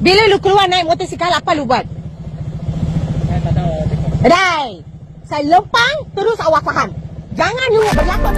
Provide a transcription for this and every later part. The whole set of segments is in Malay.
Bila lu keluar naik motosikal, apa lu buat? Saya tak tahu. Rai, saya lempang terus awak faham. Jangan lu berlakon.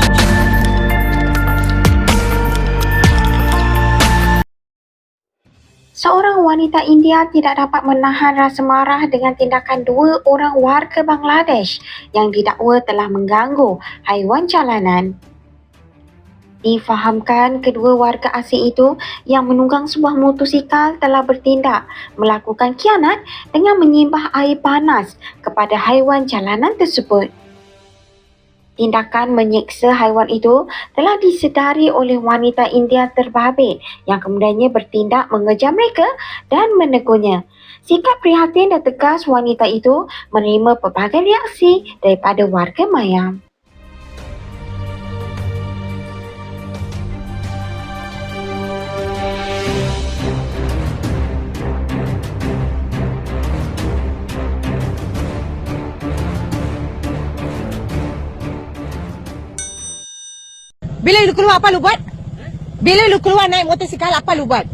Seorang wanita India tidak dapat menahan rasa marah dengan tindakan dua orang warga Bangladesh yang didakwa telah mengganggu haiwan jalanan. Difahamkan kedua warga asing itu yang menunggang sebuah motosikal telah bertindak melakukan khianat dengan menyimbah air panas kepada haiwan jalanan tersebut. Tindakan menyeksa haiwan itu telah disedari oleh wanita India terbabit yang kemudiannya bertindak mengejar mereka dan menegurnya. Sikap prihatin dan tegas wanita itu menerima pelbagai reaksi daripada warga mayam. Bila lu keluar, apa lu buat? Bila lu keluar naik motosikal, apa lu buat?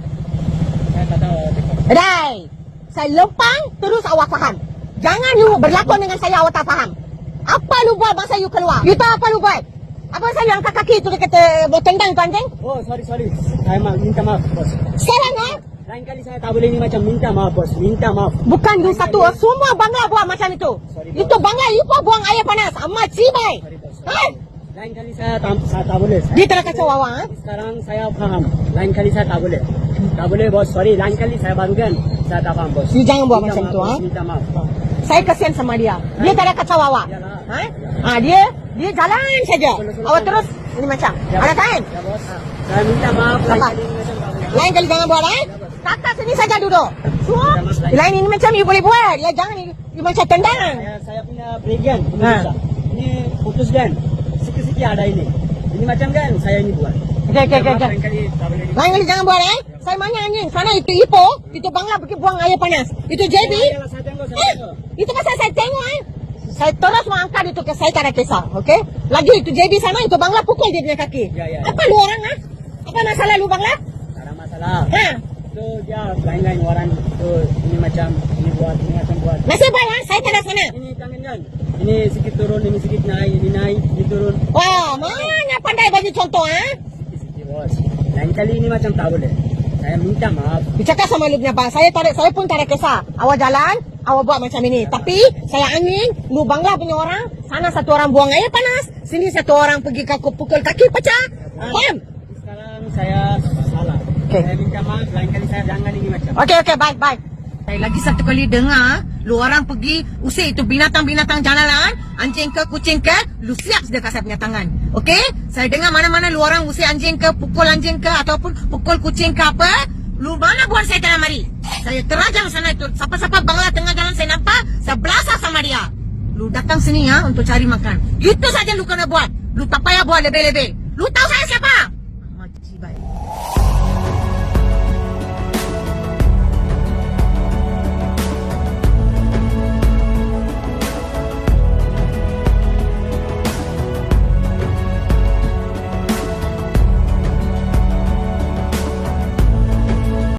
Saya tak tahu. Rai, saya lempang terus awak faham. Jangan lu berlakon dengan saya awak tak faham. Apa lu buat masa you keluar? You tahu apa lu buat? Apa saya angkat kaki tu dia kata tendang tu anjing? Oh, sorry. Saya minta maaf, bos. Sekarang Lain kali saya tak boleh ni macam minta maaf, bos. Minta maaf. bukan you satu, semua bangla buat macam itu. Sorry, Itu bangla you pun buang air panas. Amat cibai. Sorry, bos. Ha? Lain kali saya tak boleh. Dia telah kacau awak. Ha? Sekarang saya faham. Lain kali saya tak boleh. Tak boleh, bos. Sorry. Lain kali saya barukan. Saya tak faham, bos. You jangan buat Minta macam maaf, tu. bos. Ha? Minta maaf. Saya kasihan sama dia. Dia tak ada kacau awak. Yalah. Ha? Dia jalan saja. Awak terus ini macam. Ada kain? Ya, bos. Saya minta maaf. Lain Apa? kali ni macam tak boleh. Lain kali jangan buat Kakak sini saja duduk. Semua. Lain ini macam you boleh buat. Ya jangan you macam tendang. Saya punya breakdown. Ha. Ini putus dan sikit-sikit ada ini. Ini macam kan saya ini buat. Okey. Lain kali tak boleh. Lain kali jangan buat Saya mana anjing. Sana itu Ipoh. Itu Bangla pergi buang air panas. Itu JB. Yalah, saya tengok. Itu pasal saya tengok Saya terus mau angkat itu ke saya tak ada kisah. Okey. Lagi itu JB sana itu Bangla pukul dia punya kaki. Ya. Apa lu orang Apa masalah lu Bangla? Tak ada masalah. Ha? Itu dia lain-lain orang tu ini macam ini buat ini macam buat. Nasib baik saya tak ada sana. Ini tangan kan. Ini sikit turun, ini sikit naik, ini turun. Wah, mana pandai bagi contoh Sikit-sikit bos. Lain kali ini macam tak boleh. Saya minta maaf. Dicakap sama lu punya bang. Saya pun tak ada kisah. Awak jalan, awak buat macam ini. Tapi saya angin, lu Bangla punya orang, sana satu orang buang air panas, sini satu orang pergi pukul kaki pecah. Faham? Sekarang saya salah. Okey. Saya minta maaf. Lain kali saya jangan ini macam. Okey, baik. Saya lagi satu kali dengar, lu orang pergi usir itu binatang-binatang jalanan, anjing ke, kucing ke, lu siap dekat saya punya tangan. Okey? Saya dengar mana-mana lu orang usir anjing ke, pukul anjing ke, ataupun pukul kucing ke apa, lu mana buat saya dalam mari. Saya terajang sana itu. Siapa-siapa Bangla tengah jalan saya nampak, saya belasah sama dia. Lu datang sini untuk cari makan. Itu saja lu kena buat. Lu tak payah buat lebih-lebih. Lu tahu saya siapa?